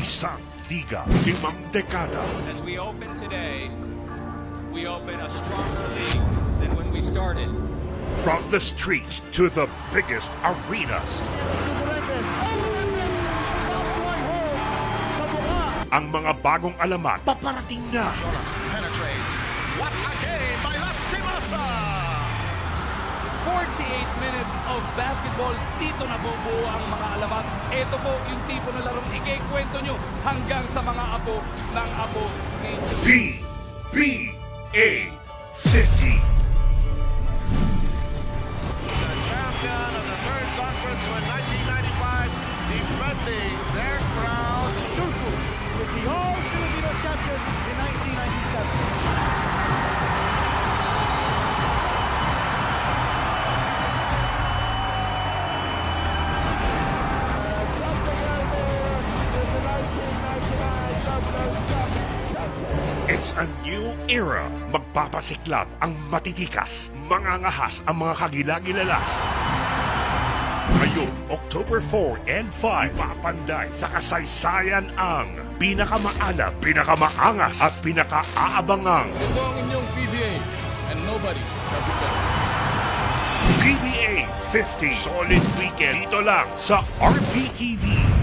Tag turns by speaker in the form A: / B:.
A: Isang liga, 5 dekada.
B: As we open today, we open a stronger league than when we started.
A: From the streets to the biggest arenas. Ang mga bagong alamat, paparating na.
C: Penetrates. What a game by Lastimasa!
D: 48 minutes of basketball, dito nabubuo ang mga alamat. Ito po yung tipo ng larong ikikwento nyo hanggang sa mga apo ng apo ninyo.
A: PBA 50.
C: The champion of the third conference in 1995, defending their crown.
E: Turku was the all-Filipino champion in 1997.
A: It's a new era. Magpapasiklab ang matitikas. Mangangahas ang mga kagilagilalas. Ngayon, October 4 and 5, ipapanday sa kasaysayan ang pinakamaalam, pinakamaangas at pinakaaabangang
D: Ito ang inyong PBA and nobody shall be better.
A: PBA 50 Solid Weekend dito lang sa RPTV.